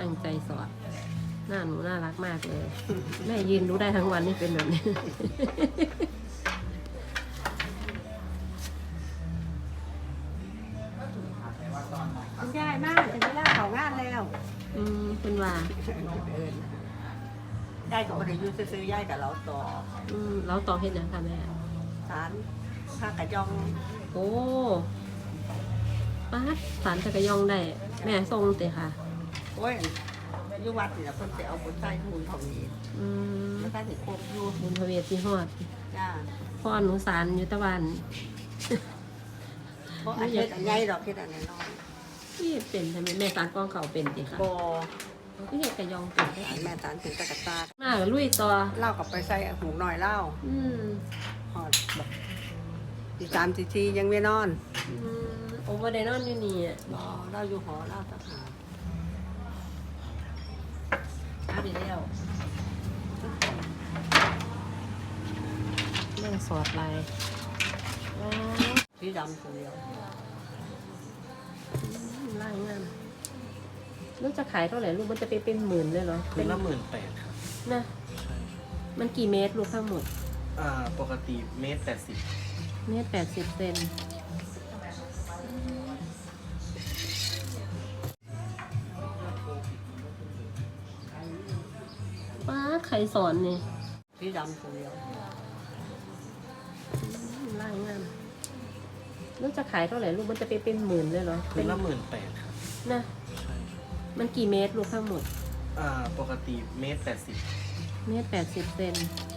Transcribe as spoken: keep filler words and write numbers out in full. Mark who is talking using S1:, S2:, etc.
S1: ตั้งใจสอนหน้าหนูน่ารักมากเลย แม่ยืนดูได้ทั้งวันนี่เป็นแบบนี้
S2: คุณยายมากจะได้ล่าเขางานแล้ว
S1: อืมคุณว่า
S2: ได้ก็ไม่ได้อยุ่ซื้อๆย่ายกับเราต่อ
S1: อืมเราต่อเฮ็ดหยังคะแม่
S2: สารผ้ากระจอง
S1: โอ้ป้าดสารจักรยองได้ แม่ทรงเตะค่ะ
S2: โอ้ยอยุวัดนี่แหละคนจะเอาบุญใต้ทุนของนี้
S1: อืม
S2: แล้วก็ถึงโคกอยู่
S1: บุญพระเวทที่ฮอด
S2: จ้า
S1: พ่อหนูสารอยู่ตะวัน
S2: เพราะอันเฮ็ดอันใหญ่ดอกเฮ็ดอันน้อย
S1: ที่เป็นทำไมแม่สารกองเขาเป็นติค่ะ
S2: ๆบ่
S1: พี่เฮ็ดกระยองเป็นได้
S2: สารแม่สารถึงตะกะตา
S1: หน้ากับลุยต่อ
S2: เล่ากับไปใส่หูหน่อยเล่า
S1: อืม
S2: หอดแบบตีสามตีสี่ยังไม่นอน
S1: อืมโอเวอร์ไดนอนอยู่นี่อะ
S2: บ่เล่าอยู่หอเล่าตะหา
S1: อาไปแล้วเรื่องสอดลายว้าว
S2: สีดำตัวเดียว
S1: ลายงามลูกจะขายเท่าไหร่ลูกมันจะไปเป็นหมื่นเลยเหรอ
S3: คืนละหมื่นแปดครับ
S1: นะ
S3: ใช่
S1: มันกี่เมตรลูกทั้งหมด
S3: อ่าปกติเมตรแปดสิบ
S1: เมตรแปดสิบเซนป้าดใครสอนนี่
S2: สีดำตัวเดียว
S1: ลายงามลูกจะขายเท่าไหร่ลูกมันจะไปเป็นหมื่นเลยเหรอ
S3: คืนละหมื่นแปดครับ
S1: นะ
S3: ใช่
S1: มันกี่เมตรลูกทั้งหมด
S3: อ่าปกติเมตรแปดสิบ
S1: เมตรแปดสิบเซน
S3: ใ